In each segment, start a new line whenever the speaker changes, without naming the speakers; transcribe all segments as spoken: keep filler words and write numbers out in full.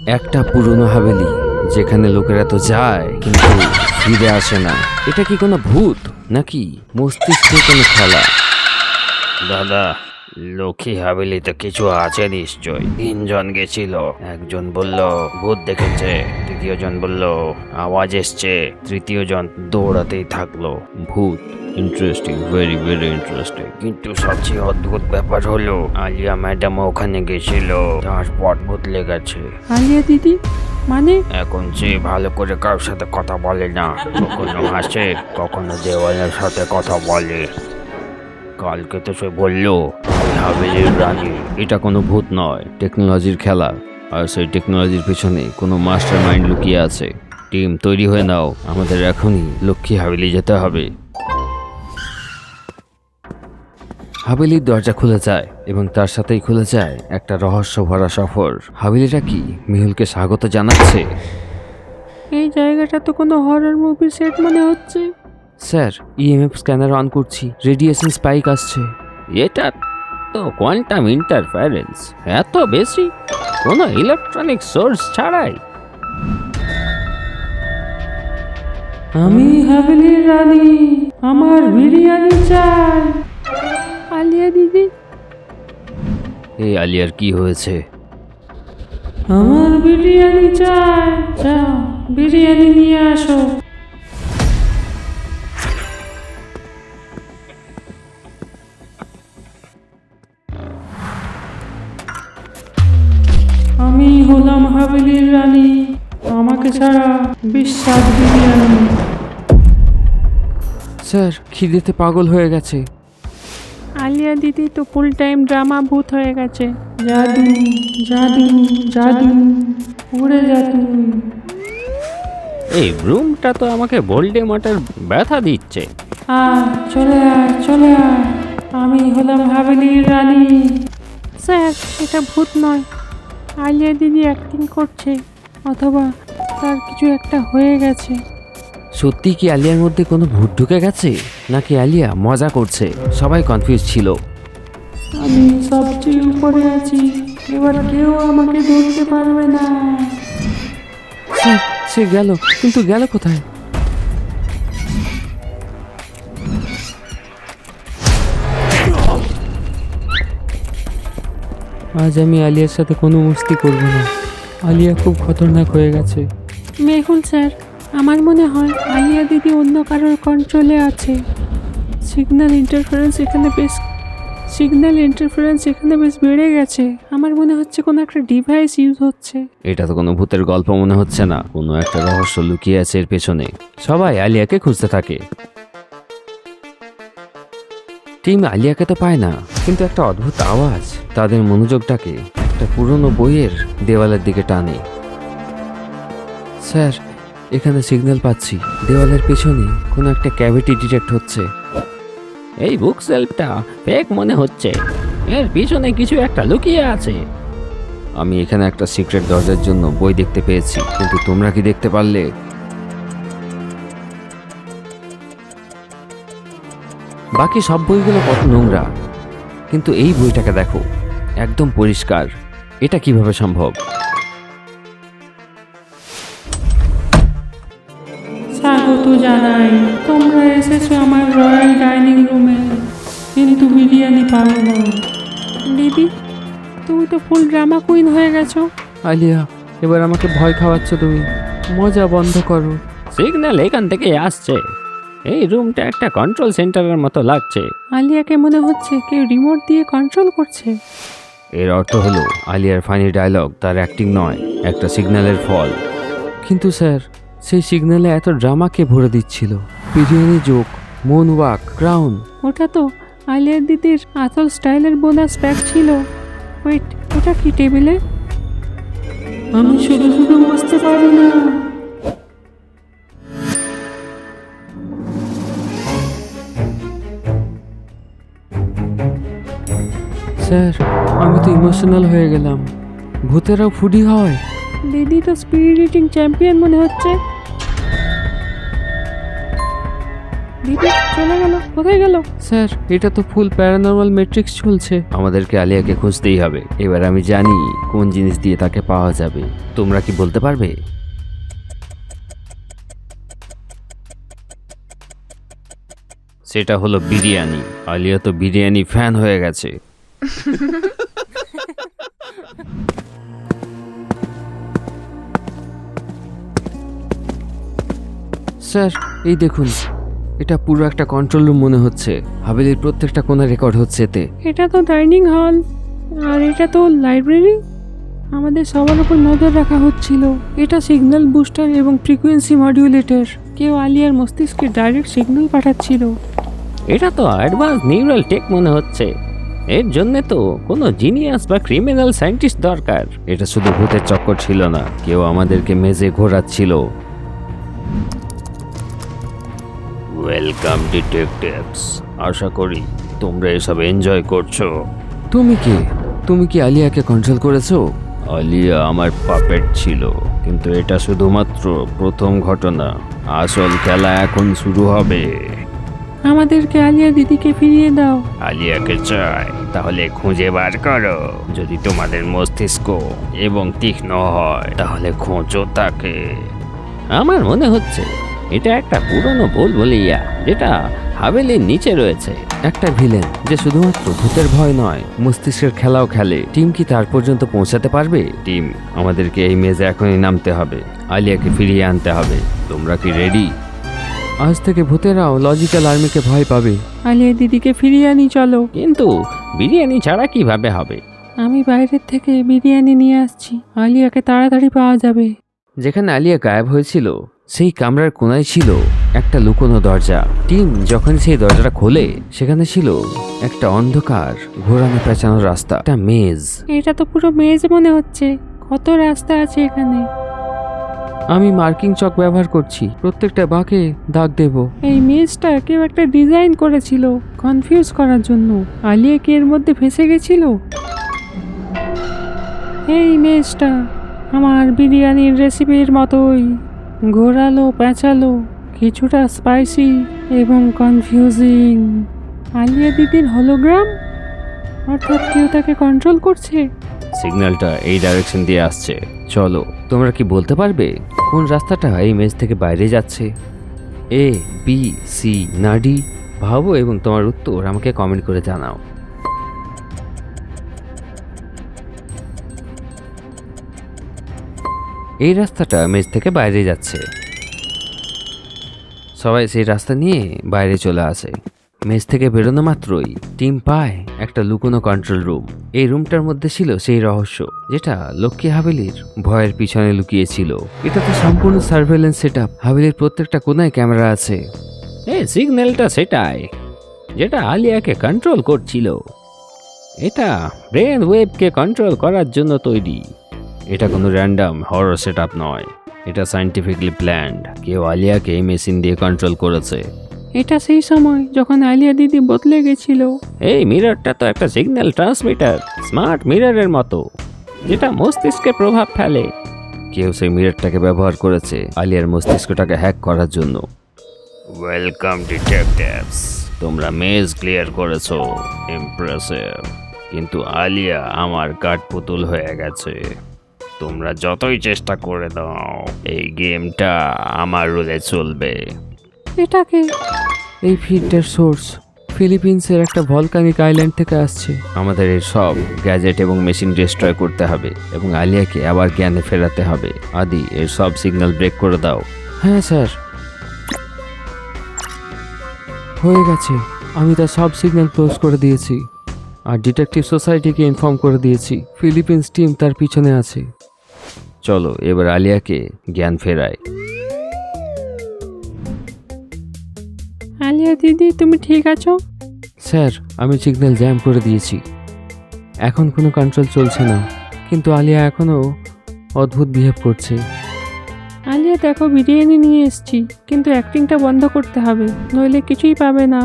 একটা পুরনো হাভেলি যেখানে লোকেরা তো যায় কিন্তু ফিরে আসে না। এটা কি কোনো ভূত নাকি মস্তিষ্কের কোনো খেলা?
দাদা, লক্ষ্মী হাভেলিতে কিছু আছে নিশ্চয়। তিনজন গেছিল, একজন বলল ভূত দেখেছে, দ্বিতীয় জন বলল আওয়াজ এসছে, তৃতীয় জন দৌড়াতেই থাকলো।
ভূত? Interesting, very very interesting.
কিন্তু সবচেয়ে অদ্ভুত ব্যাপার হলো আলিয়া ম্যাডাম ওখানে গেছিল, তার পট বদলে গেছে।
আলিয়া দিদি মানে?
এখন সে ভালো করে কারোর সাথে কথা বলে না, কখনো হাসে কখনো দেওয়ালের সাথে কথা বলে। কালকে তো সে বললো আমি হাভেলির রানী।
এটা কোনো ভূত নয়, টেকনোলজির খেলা। আর সেই টেকনোলজির পেছনে কোনো মাস্টার মাইন্ড লুকিয়ে আছে। টিম তৈরি হয়ে নাও, আমাদের এখনই লক্ষ্মী হাভেলি যেতে হবে। হাভেলির দরজা খুলে যায় এবং তার সাথেই খুলে যায় একটা রহস্য ভরা সফর। হাভেলিটা কি মেহুলকে স্বাগত জানাচ্ছে?
এই জায়গাটা তো কোনো হরর মুভির সেট মনে হচ্ছে।
স্যার, ইএমএফ স্ক্যানার অন করছি, রেডিয়েশন স্পাইক আসছে।
এটা তো কোয়ান্টাম ইন্টারফারেন্স, এত বেশি কোনো ইলেকট্রনিক সোর্স ছাড়াই।
আমি হাভেলির রানী, আমার বিরিয়ানি চাই। আলিয়া দিদি,
এই আলিয়ার কি হয়েছে?
আমার বিরিয়ানি চাই। যাও বিরিয়ানি নিয়ে আসো। আমি হলাম হাভেলির রানী, আমাকে ছাড়া বিশ্বাস বিরিয়ানি।
স্যার, খিদেতে পাগল হয়ে গেছে।
আলিয়া দিদি তো ফুল টাইম ড্রামা ভূত হয়ে গেছে। জাদু জাদু জাদু, উড়ে যা তুই।
এই রুমটা তো আমাকে ভোল্ডে মাটার ব্যথা দিচ্ছে।
আয় চলে আয় চলে আয়, আমি হলাম হাভেলির রানী। স্যার, এটা ভূত নয়, আলিয়া দিদি অ্যাক্টিং করছে, অথবা তার কিছু একটা হয়ে গেছে।
সত্যি কি আলিয়ার মধ্যে কোনো ভূত ঢুকে গেছে নাকি আলিয়া মজা করছে? সবাই কনফিউজ ছিল।
আমি সবচেয়ে উপরে আছি, এবার কেউ আমাকে ধরতে পারবে না।
স্যার, সে গেল, কিন্তু গেল কোথায়? আজ আমি আলিয়ার সাথে কোনো মস্তি করব না। আলিয়া খুব খতরনাক হয়ে গেছে।
মেহুল স্যার, আমার মনে হয় আলিয়া দিদি অন্য কারোর কন্ট্রোলে আছে। সিগন্যাল ইন্টারফারেন্স এখানে বেশ সিগন্যাল ইন্টারফারেন্স এখানে বেশ বেড়ে গেছে। আমার মনে হচ্ছে কোনো একটা ডিভাইস ইউজ হচ্ছে।
এটা তো কোনো ভূতের গল্প মনে হচ্ছে না, কোনো একটা রহস্য লুকিয়ে আছে এর পেছনে। সবাই আলিয়াকে খুঁজতে থাকে। টিম আলিয়াকে তো পায় না, কিন্তু একটা অদ্ভুত আওয়াজ তাদের মনোযোগটাকে একটা পুরনো বইয়ের দেওয়ালের দিকে টানে। স্যার, এখানে সিগন্যাল পাচ্ছি, দেওয়ালের পেছনে কোনো একটা ক্যাভিটি ডিটেক্ট হচ্ছে।
এই বুক সেলফটা ফেক মনে হচ্ছে, এর পিছনে কিছু একটা লুকিয়ে আছে।
আমি এখানে একটা সিক্রেট দরজার জন্য বই দেখতে পেয়েছি, কিন্তু তোমরা কি দেখতে পারলে? বাকি সব বইগুলো কত নোংরা, কিন্তু এই বইটাকে দেখো, একদম পরিষ্কার। এটা কিভাবে সম্ভব?
স্বাগত জানাই, তোমরা এসেছো আমার রয়্যাল ডাইনিং রুমে, কিন্তু বিরিয়ানি পাবো না। দিদি, তুমি তো ফুল ড্রামা কুইন হয়ে গেছো।
আলিয়া, এবার আমাকে ভয় খাওয়াচ্ছ তুমি। মজা বন্ধ করো।
সিগন্যাল এখান থেকে আসছে, এই রুমটা একটা কন্ট্রোল সেন্টারের মতো লাগছে।
আলিয়াকে মনে হচ্ছে কেউ রিমোট দিয়ে কন্ট্রোল করছে।
এর অর্থ হলো আলিয়ার ফানি ডায়লগ তার অ্যাক্টিং নয়, একটা সিগন্যালের ফল। কিন্তু স্যার, সেই সিগন্যালে এত ড্রামা কে ভরে দিচ্ছিল? Biryani joke, moonwalk, crown.
ওটা তো আলিয়ার দিদির আসল স্টাইলের বোনাস প্যাক ছিল। ওয়েট, ওটা কি টেবিলে? আমি শুধু শুধু বুঝতে পারি না।
স্যার, আমি তো ইমোশনাল হয়ে গেলাম। ভূতেরাও ফুডি হয়?
দিদি তো স্পিড রিডিং চ্যাম্পিয়ন মনে হচ্ছে। দিদি চলে গেল, কোথায় গেল?
স্যার এটা তো ফুল প্যারানর্মাল ম্যাট্রিক্স চলছে, আমাদেরকে আলিয়াকে খুঁজতেই হবে। এবার আমি জানি কোন জিনিস দিয়ে তাকে পাওয়া যাবে। তোমরা কি বলতে পারবে? সেটা হলো বিরিয়ানি। আলিয়া তো বিরিয়ানি ফ্যান হয়ে গেছে। স্যার এই দেখুন, এটা পুরো একটা কন্ট্রোল রুম মনে হচ্ছে। হাভেলির প্রত্যেকটা কোণা রেকর্ড হচ্ছে এতে।
এটা তো ডাইনিং হল, আর এটা তো লাইব্রেরি। আমাদের সবার উপর নজর রাখা হচ্ছিল। এটা সিগন্যাল বুস্টার এবং ফ্রিকোয়েন্সি মডিউলেটর। কেউ আলিয়ার মস্তিষ্কে ডাইরেক্ট সিগন্যাল পাঠাচ্ছিল।
এটা তো অ্যাডভান্স নিউরাল টেক মনে হচ্ছে। এর জন্য তো কোনো জিনিয়াস বা ক্রিমিনাল সায়েন্টিস্ট দরকার। এটা শুধু ভূতের চক্কর ছিল না, কেউ আমাদেরকে মেজে ঘোরাচ্ছিল। ওয়েলকাম ডিটেকটিভস, আশা করি তোমরা এসব এনজয় করছো। তুমি কি তুমি কি আলিয়াকে কন্ট্রোল করেছো? আলিয়া আমার পাপেট ছিল, কিন্তু এটা শুধুমাত্র প্রথম ঘটনা। আসল খেলা এখন শুরু হবে।
আমাদেরকে আলিয়া দিদিকে ফিরিয়ে দাও।
আলিয়াকে চাই তাহলে খুঁজে বার করো। যদি তোমাদের মস্তিষ্ক এবং তীক্ষ্ণ হয় তাহলে খোঁজো তাকে।
আমার মনে হচ্ছে এটা একটা পুরনো বুলবুলিয়া যেটা হাভেলির নিচে রয়েছে। একটা ভিলেন যে শুধুমাত্র ভূতের ভয় নয়, মস্তিষ্কের খেলাও খেলে। টিম কি তার পর্যন্ত পৌঁছাতে পারবে? টিম, আমাদেরকে এই মেজে এখনই নামতে হবে। আলিয়াকে ফিরিয়ে আনতে হবে। তোমরা কি রেডি? আজ থেকে ভূতেরাও লজিক্যাল আর্মিকে ভয় পাবে।
আলিয়া দিদিকে ফিরিয়ে আনি চলো।
কিন্তু বিরিয়ানি ছাড়া কিভাবে হবে?
আমি বাইরের থেকে বিরিয়ানি নিয়ে আসছি, আলিয়াকে তাড়াতাড়ি পাওয়া যাবে।
যেখানে আলিয়া গায়েব হয়েছিল সেই কামরার কোনায় ছিল একটা লুকোনো দরজা। টিম যখন সেই দরজাটা খোলে সেখানে ছিল একটা অন্ধকার ঘোরানো পেঁচানো রাস্তা, একটা মেজ।
এটা তো পুরো মেজ মনে হচ্ছে। কত রাস্তা আছে এখানে।
আমি মার্কিং চক ব্যবহার করছি, প্রত্যেকটা বাঁকে দাগ দেব।
এই মেজটা কেউ একটা ডিজাইন করেছিল কনফিউজ করার জন্য। আলিয়া কি এর মধ্যে ফেসে গেছিল? এই মেজটা আমার বিরিয়ানির রেসিপির মতোই, ঘোরালো পেঁচালো, কিছুটা স্পাইসি এবং কনফিউজিং। আলিয়া দিদির হলোগ্রাম, অর্থাৎ কেউ তাকে কন্ট্রোল করছে।
সিগন্যালটা এই ডাইরেকশন দিয়ে আসছে। চলো, তোমরা কি বলতে পারবে কোন রাস্তাটা এই মেজ থেকে বাইরে যাচ্ছে? এ, বি, সি না ডি? ভাবো এবং তোমার উত্তর আমাকে কমেন্ট করে জানাও। এই রাস্তাটা মেজ থেকে বাইরে যাচ্ছে। সবাই সেই রাস্তা নিয়ে বাইরে চলে আসে। মেজ থেকে বেরোনো মাত্রই টিম পায় একটা লুকোনো কন্ট্রোল রুম। এই রুমটার মধ্যে ছিল সেই রহস্য যেটা লক্ষ্মী হাভেলির ভয়ের পিছনে লুকিয়েছিল। এটা তো সম্পূর্ণ সার্ভেলেন্স সেটআপ। হাভেলির প্রত্যেকটা কোনায় ক্যামেরা আছে। এই সিগন্যালটা সেটাই যেটা আলিয়াকে কন্ট্রোল করছিল। এটা ব্রেন ওয়েভকে কন্ট্রোল করার জন্য তৈরি। এটা কোনো র্যান্ডম হরর সেটআপ নয়, এটা সায়েন্টিফিকলি প্ল্যান্ড। কেউ আলিয়াকে এই মেশিন দিয়ে কন্ট্রোল করেছে।
এটা সেই সময় যখন আলিয়া দিদি বদলে গেছিল।
এই মিররটা তো একটা সিগন্যাল ট্রান্সমিটার, স্মার্ট মিররের মতো, যেটা মস্তিষ্কে প্রভাব ফেলে। কেউ সেই মিররটাকে ব্যবহার করেছে আলিয়ার মস্তিষ্কটাকে হ্যাক করার জন্য।
ওয়েলকাম ডিটেকটিভস, তোমরা মেজ ক্লিয়ার করেছো, ইমপ্রেসিভ। কিন্তু আলিয়া আমার কাঠপুতুল হয়ে গেছে। তোমরা যতই চেষ্টা করে দাও, এই গেমটা আমার রুলে চলবে।
এটাকে
এই ফিডটার সোর্স ফিলিপিন্সের একটা ভলকানিক আইল্যান্ড থেকে আসছে। আমাদের এই সব গ্যাজেট এবং মেশিন ডিস্ট্রয় করতে হবে এবং আলিয়াকে আবার জ্ঞানে ফেরাতে হবে। আদি, এর সব সিগন্যাল ব্রেক করে দাও। হ্যাঁ স্যার, হয়ে গেছে। আমি তার সব সিগন্যাল ক্লোজ করে দিয়েছি আর ডিটেকটিভ সোসাইটিকে ইনফর্ম করে দিয়েছি। ফিলিপিন্স টিম তার পিছনে আছে। চলো এবার আলিয়াকে জ্ঞান ফেরায়।
আলিয়া দিদি তুমি ঠিক আছো?
স্যার, আমি সিগন্যাল জ্যাম করে দিয়েছি। এখন কোনো কন্ট্রোল চলছে না, কিন্তু আলিয়া এখনও অদ্ভুত বিহেভ করছে।
আলিয়া দেখো, বিরিয়ানি নিয়ে এসেছি, কিন্তু অ্যাক্টিংটা বন্ধ করতে হবে, নইলে কিছুই পাবে না।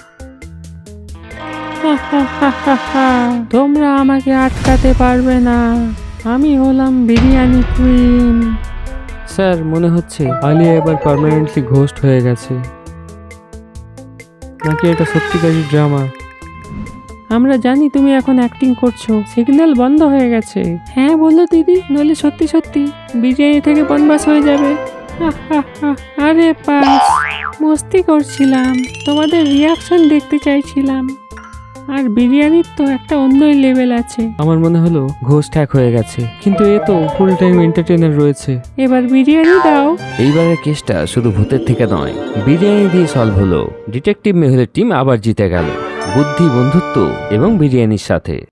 হা হা হা হা হা। তোমরা আমাকে আটকাতে পারবে না, আমি হলাম বিরিয়ানি কুইন।
স্যার, মনে হচ্ছে আলিয়া এবার পার্মানেন্টলি ঘোস্ট হয়ে গেছে। নাকি এটা সত্যিকারই ড্রামা।
আমরা জানি তুমি এখন অ্যাক্টিং করছো, সিগন্যাল বন্ধ হয়ে গেছে। হ্যাঁ বলো দিদি, নইলে সত্যি সত্যি বিরিয়ানি থেকে বনবাস হয়ে যাবে। হা হা হা। আরে পাস, মস্তি করছিলাম, তোমাদের রিয়াকশন দেখতে চাইছিলাম। আর বিরিয়ানির তো একটা অন্যই লেভেল আছে।
আমার মনে হলো ঘোস্ট হ্যাক হয়ে গেছে, কিন্তু এ তো ফুল টাইম এন্টারটেইনার রয়েছে।
এবার বিরিয়ানি দাও।
এইবারের কেসটা শুধু ভূতের থেকে নয়, বিরিয়ানি দিয়ে সলভ হলো। ডিটেকটিভ মেহুলের টিম আবার জিতে গেল, বুদ্ধি, বন্ধুত্ব এবং বিরিয়ানির সাথে।